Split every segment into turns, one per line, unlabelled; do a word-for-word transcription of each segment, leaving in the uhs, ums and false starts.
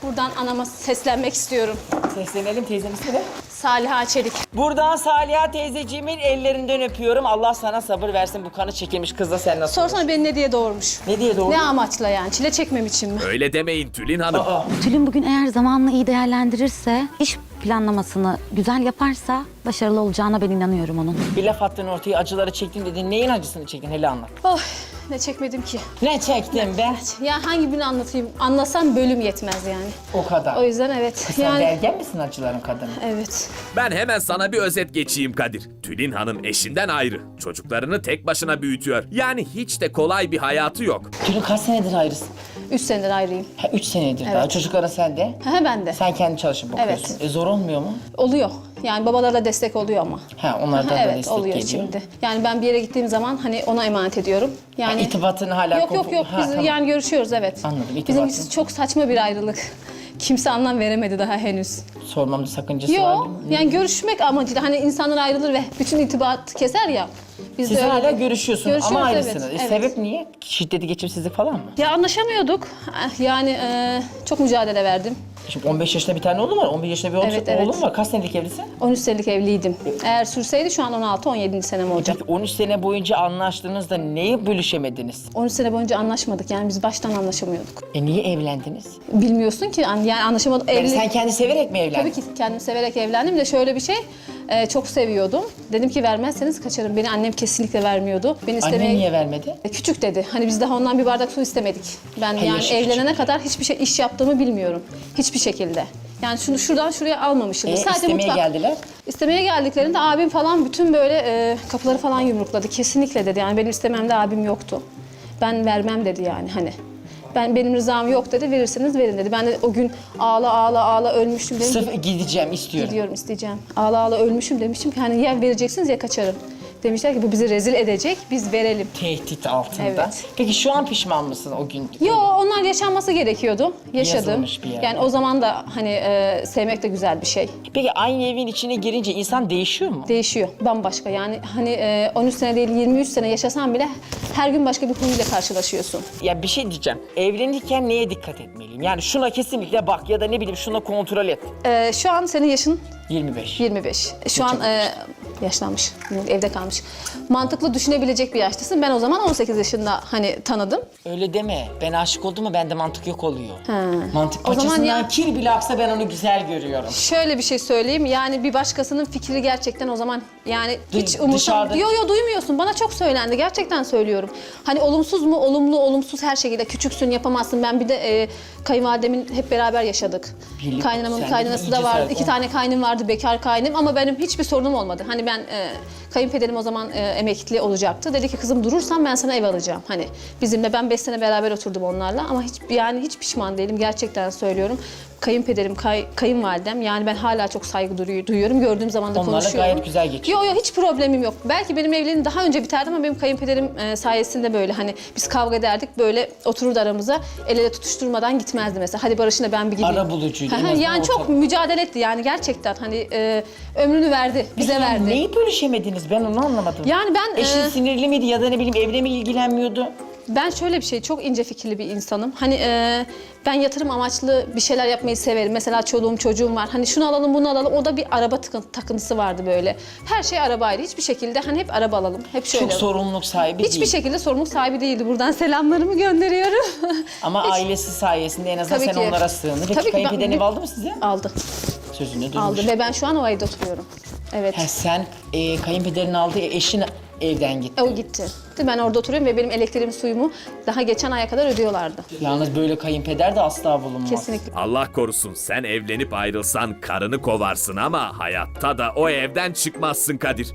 Buradan anama seslenmek istiyorum.
Seslenelim, teyzenin ismi ne?
Saliha Çelik.
Buradan Saliha teyzeciğimin ellerinden öpüyorum. Allah sana sabır versin, bu kanı çekilmiş kızla sen nasıl
Sorsana
olur?
beni ne diye doğurmuş?
Ne diye doğru?
Ne amaçla yani? Çile çekmem için mi?
Öyle demeyin Tülin Hanım.
Aa,
Tülin bugün eğer zamanını iyi değerlendirirse, iş planlamasını güzel yaparsa başarılı olacağına ben inanıyorum onun.
bir laf attın ortaya, acıları çektim dedin. Neyin acısını çektin? Hele anlat.
Oh, ne çekmedim ki.
Ne çektim be?
Ya hangi birini anlatayım? Anlasam bölüm yetmez yani.
O kadar.
O yüzden evet.
Sen
yani
belgen misin acıların kadını?
evet.
Ben hemen sana bir özet geçeyim Kadir. Tülin Hanım eşinden ayrı. Çocuklarını tek başına büyütüyor. Yani hiç de kolay bir hayatı yok.
Tülin kaç senedir ayrısın?
Üç senedir ayrıyım.
Ha, üç senedir
Evet.
daha. Çocukların sende.
Ha ben de.
Sen kendi çalışıp bakıyorsun.
Evet.
E, zor olmuyor mu?
Oluyor. Yani babalara destek oluyor ama.
Ha, onlardan da
evet
destek
oluyor
geliyor.
şimdi. Yani ben bir yere gittiğim zaman hani ona emanet ediyorum. Yani
Ha, irtibatını hala
Yok yok
kopu-
yok
Ha,
biz
tamam.
yani görüşüyoruz evet.
Anladım,
Bizim
irtibatını.
çok saçma bir ayrılık. Kimse anlam veremedi daha henüz.
Sormamda sakıncası var
Yok
mı?
yani görüşmek amacıyla hani insanlar ayrılır ve bütün irtibat keser ya. Biz
Siz
de öyle
hala
değil.
görüşüyorsunuz
Görüşüyoruz,
ama
evet,
ayrısınız. E,
evet.
sebep niye? Şiddeti, geçimsizlik falan mı?
Ya anlaşamıyorduk. Ah, Yani e, çok mücadele verdim.
Şimdi on beş yaşında bir tane oğlum var, on bir yaşında bir oğlum,
Evet,
oğlum
evet.
var. Kaç senelik evlisin?
on üç senelik evliydim. Eğer sürseydi şu an on altı on yedinci senem olacak.
Peki on üç sene boyunca anlaştığınızda neyi bölüşemediniz?
on üç sene boyunca anlaşmadık yani biz baştan anlaşamıyorduk.
E niye evlendiniz?
Bilmiyorsun ki an- yani anlaşamadık.
Yani
Evli...
sen kendi severek mi evlendin?
Tabii ki kendim severek evlendim de şöyle bir şey. e, çok seviyordum. Dedim ki vermezseniz kaçarım. Beni annem kesinlikle vermiyordu. Beni istemeye...
Annen niye vermedi?
E, Küçük dedi. Hani biz daha ondan bir bardak su istemedik. Ben
Ha,
yani
yaşı
evlenene
küçük.
kadar hiçbir şey iş yaptığımı bilmiyorum. Hiçbir şekilde. Yani şunu şuradan şuraya almamışım.
E, istemeye geldiler.
İstemeye geldiklerinde abim falan bütün böyle e, kapıları falan yumrukladı. Kesinlikle dedi. Yani benim istememde abim yoktu. Ben vermem dedi yani hani. Ben benim rızam yok dedi. Verirseniz verin dedi. Ben de o gün ağla ağla ağla ölmüştüm dedim.
Sırf gideceğim, istiyorum.
Gidiyorum isteyeceğim. Ağla ağla ölmüşüm demiştim ki hani ya vereceksiniz ya kaçarım. Demişler ki bu bizi rezil edecek. Biz verelim.
Tehdit altında.
Evet.
Peki şu an pişman mısın o gün?
Yo onlar yaşanması gerekiyordu. Yaşadım.
Yazılmış bir yer.
Yani o zaman da hani e, sevmek de güzel bir şey.
Peki aynı evin içine girince insan değişiyor mu?
Değişiyor. Bambaşka. Yani hani e, on üç sene değil yirmi üç sene yaşasan bile her gün başka bir huyla karşılaşıyorsun.
Ya bir şey diyeceğim. Evlenirken neye dikkat etmeliyim? Yani şuna kesinlikle bak ya da ne bileyim şuna kontrol et.
E, şu an senin yaşın
yirmi beş.
yirmi beş. Şu an e, yaşlanmış. Evde kalmış. Mantıklı düşünebilecek bir yaştasın. Ben o zaman on sekiz yaşında hani tanıdım.
Öyle deme. Ben aşık oldum mu bende mantık yok oluyor.
Ha.
Mantık
O zaman
paçasından
ya-
kir bile aksa ben onu güzel görüyorum.
Şöyle bir şey söyleyeyim. Yani bir başkasının fikri gerçekten o zaman yani hiç
Dı-
umursam...
dışarıda-
Yo yo duymuyorsun. Bana çok söylendi. Gerçekten söylüyorum. Hani olumsuz mu? Olumlu, olumsuz her şekilde. Küçüksün, yapamazsın. Ben bir de e, kayınvalidemin hep beraber yaşadık.
Birlik-
Kaynanamın
sen de
kaynanası
iyice
da vardı.
sarıl-
İki tane kaynım vardı. Bekar kaynım ama benim hiçbir sorunum olmadı. Hani ben e, kayınpederim o zaman e, emekli olacaktı. Dedi ki kızım durursan ben sana ev alacağım. Hani bizimle ben beş sene beraber oturdum onlarla ama hiç yani hiç pişman değilim. Gerçekten söylüyorum. Kayınpederim, kay, kayınvalidem yani ben hala çok saygı duyu- duyuyorum. Gördüğüm zaman da
Onlarla
konuşuyorum.
gayet güzel geçiyor.
Yok yok hiç problemim yok. Belki benim evliliğim daha önce biterdi ama benim kayınpederim e, sayesinde böyle hani biz kavga ederdik böyle otururdu aramıza el ele tutuşturmadan gitmezdi mesela. Hadi Barış'la ben bir gideyim.
Arabulucuydu, en
Hı hı,
azından
yani
o
çok
tabii.
mücadele etti yani gerçekten hani e, ömrünü verdi bize
Peki
verdi.
Neyi bölüşemediniz? Ben onu anlamadım.
Yani ben
Eşin
e,
sinirli miydi ya da ne bileyim evle mi ilgilenmiyordu?
ben şöyle bir şey çok ince fikirli bir insanım. Hani e, ben yatırım amaçlı bir şeyler yapmayı severim. Mesela çoluğum çocuğum var. Hani şunu alalım bunu alalım. O da bir araba tıkın- takıntısı vardı böyle. Her şey arabaydı. Hiçbir şekilde hani hep araba alalım. Hep şöyle.
Çok sorumluluk sahibi
Hiçbir
değil.
şekilde sorumluluk sahibi değildi. Buradan selamlarımı gönderiyorum.
Ama
Hiç-
ailesi sayesinde en azından
Tabii
sen
ki.
onlara sığındın. Peki
Tabii ki ben-
kayınpederin ev aldı mı size?
Aldı.
Sözünde durmuş.
Aldı ve ben şu an o evde oturuyorum. Evet.
Ha, sen e, kayınpederin aldığı eşin evden gitti.
E, o gitti. Ben orada oturuyorum ve benim elektriğimi suyumu daha geçen aya kadar ödüyorlardı.
Yalnız böyle kayınpeder de asla bulunmaz.
Kesinlikle.
Allah korusun sen evlenip ayrılsan karını kovarsın ama hayatta da o evden çıkmazsın Kadir.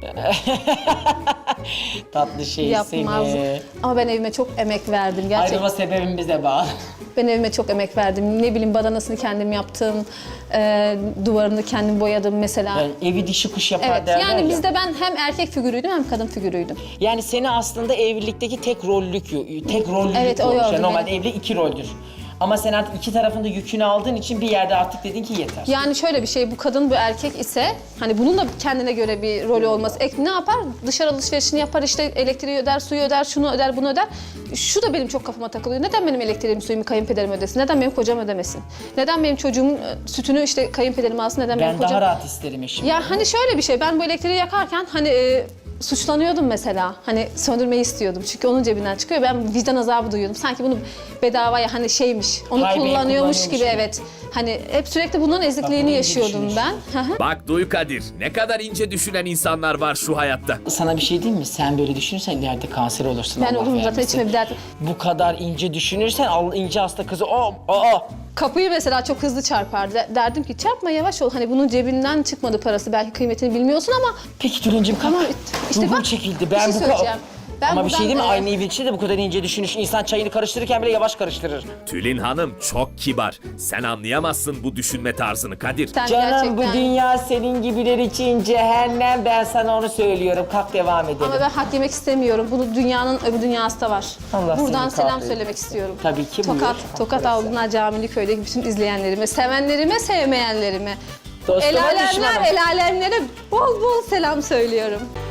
Tatlı şey
Yapmaz.
seni.
Ama ben evime çok emek verdim gerçekten.
Ayrılma sebebim bize bağlı.
Ben evime çok emek verdim. Ne bileyim badanasını kendim yaptım. E, duvarını kendim boyadım mesela.
Yani evi dişi kuş yapar
Evet,
derler
yani
ya.
bizde ben hem erkek figürüydüm hem kadın figürüydüm.
Yani seni aslında evlilikteki tek rollük, tek rollülük
Evet, o
olmuş.
yordu
Yani normalde
beni.
evli iki roldür. Ama sen artık iki tarafında yükünü aldığın için bir yerde artık dedin ki yeter.
Yani şöyle bir şey, bu kadın bu erkek ise hani bunun da kendine göre bir rolü olması. Ek ne yapar? Dışarı alışverişini yapar, işte elektriği öder, suyu öder, şunu öder, bunu öder. Şu da benim çok kafama takılıyor. Neden benim elektriğimi, suyumu kayınpederim ödesin? Neden benim kocam ödemesin? Neden benim çocuğumun e, sütünü işte kayınpederim alsın? Neden benim
Ben
kocam...
daha rahat isterim eşim.
Ya hani şöyle bir şey, ben bu elektriği yakarken hani e, suçlanıyordum mesela. Hani söndürmeyi istiyordum çünkü onun cebinden çıkıyor. Ben vicdan azabı duyuyordum. Sanki bunu bedavaya hani şeymiş, onu
Haybeye
kullanıyormuş gibi,
kullanıyormuş gibi.
evet. Hani hep sürekli bunların ezikliğini
bunu iyi
yaşıyordum
düşünüyorsun.
ben. Hı hı.
Bak duy Kadir, ne kadar ince düşünen insanlar var şu hayatta.
Sana bir şey diyeyim mi? Sen böyle düşünürsen ileride kanser olursun.
Ben
Allah
olurum zaten,
vermesin.
içime bir dert.
Bu kadar ince düşünürsen al ince hasta kızı o o
Kapıyı mesela çok hızlı çarpar. De- Derdim ki çarpma, yavaş ol. Hani bunun cebinden çıkmadı parası. Belki kıymetini bilmiyorsun ama
Peki Tülin'cim kalk.
Ama işte
Ruhum
bak,
çekildi.
bir
Ben
şey
bu
söyleyeceğim. Ben
Ama bir şey
buradan,
değil mi?
e,
Aynı evin içinde de bu kadar ince düşünüş. İnsan çayını karıştırırken bile yavaş karıştırır.
Tülin Hanım çok kibar. Sen anlayamazsın bu düşünme tarzını Kadir.
sen
Canım
gerçekten...
bu dünya senin gibiler için cehennem. Ben sana onu söylüyorum. Kalk devam edelim.
Ama ben hak yemek istemiyorum. Bunu dünyanın öbür dünyası da var.
Allah
Buradan
seni
selam
kahretsin.
söylemek istiyorum.
Tabii ki,
Tokat,
buyur.
Tokat Avlunar Camili köydeki bütün izleyenlerime, sevenlerime, sevmeyenlerime.
Dostuma,
El alemler,
düşmana.
el alemlere bol bol selam söylüyorum.